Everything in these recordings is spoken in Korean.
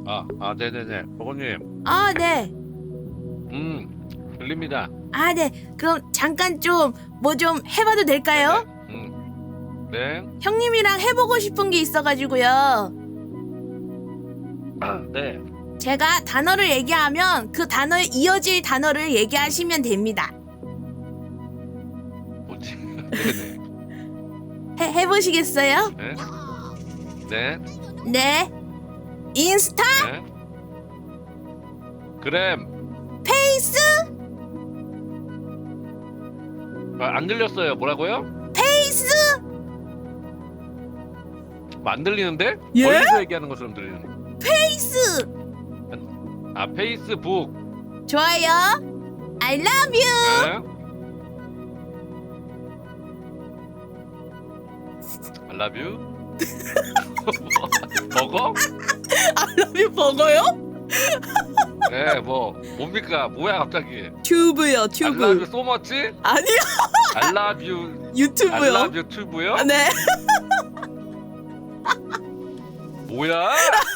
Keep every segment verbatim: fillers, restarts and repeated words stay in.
아, 아, 네네네. 버거님, 아, 네. 음, 들립니다. 아, 네. 그럼 잠깐 좀 뭐 좀 해봐도 네네. 될까요? 음, 네. 형님이랑 해보고 싶은 게 있어가지고요. 아, 네. 제가 단어를 얘기하면 그 단어에 이어질 단어를 얘기하시면 됩니다. 뭐지? 네네. 해, 해보시겠어요? 네. 네. 네. 인스타? 네. 그램. 페이스? 아, 안 들렸어요. 뭐라고요? 페이스? 뭐안 들리는데? 예? 멀리서 얘기하는 것처럼 들리는. 페이스! 아, 페이스북. 좋아요. I love you. 네. I love you. 버거? I love you 버거요? 네, 뭐 뭡니까? 뭐야 갑자기? 튜브요, I 튜브. love you so much? 아니요, I love you. I 유튜브요. love you tube요? 아, 네. 뭐야?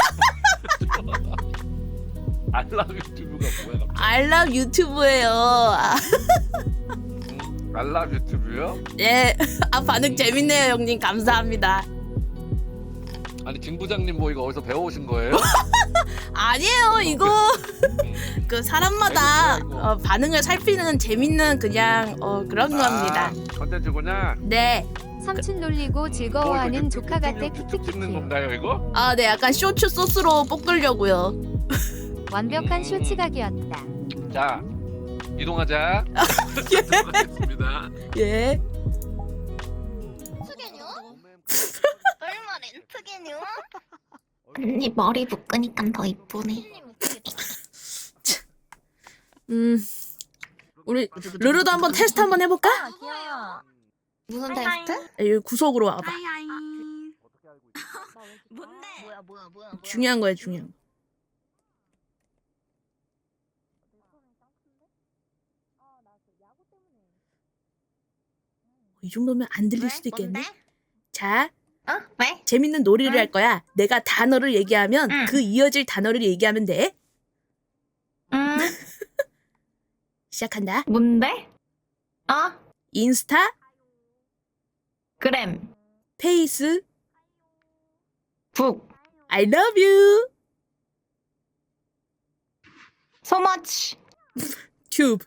I love you tube가 뭐야 갑자기? I love 유튜브예요. 아, 음, I love you tube요? 네. 아, 반응 재밌네요, 형님. 감사합니다. 아니 김 부장님 뭐 이거 어디서 배워오신 거예요? 아니에요, 이거 음. 그 사람마다 아이고, 뭐야, 이거. 어, 반응을 살피는 재밌는 그냥 어, 그런 겁니다. 아, 컨텐츠구나. 네. 삼촌 놀리고 뭐 즐거워하는 이거 조카 같아 유튜브 찍는 키키키키. 건가요 이거? 아, 네. 약간 쇼츠 소스로 볶으려고요. 완벽한 음. 쇼츠각이었다. 자 이동하자. 이동하겠습니다. 예. 렌트게뇨? 얼마 렌트게뇨? 언니 머리 묶으니까 더 이쁘네. 음. 우리 르르도 한번 테스트 한번 해볼까? 귀여워. 무슨 하이하이. 테스트? 여기 구석으로 와봐. 하이하이. 뭔데? 뭐야 뭐야 뭐야. 중요한 거야, 중요한 거. 이 정도면 안 들릴 수도 있겠네. 뭔데? 자, 어? 왜? 재밌는 놀이를 응. 할 거야. 내가 단어를 얘기하면 응. 그 이어질 단어를 얘기하면 돼. 음, 시작한다. 뭔데? 어? 인스타, 그램, 페이스, 북, I love you, 소머치. 튜브.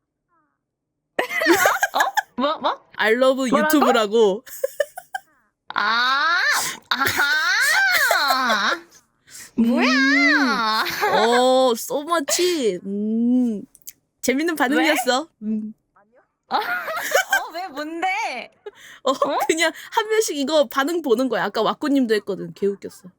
뭐, 뭐? I love 뭐라고? 유튜브라고. 아, 아하. 뭐야? 어, so much. 음, 재밌는 반응이었어. 음. 어, 왜 뭔데? 어, 그냥 한 명씩 이거 반응 보는 거야. 아까 왁구님도 했거든. 개 웃겼어.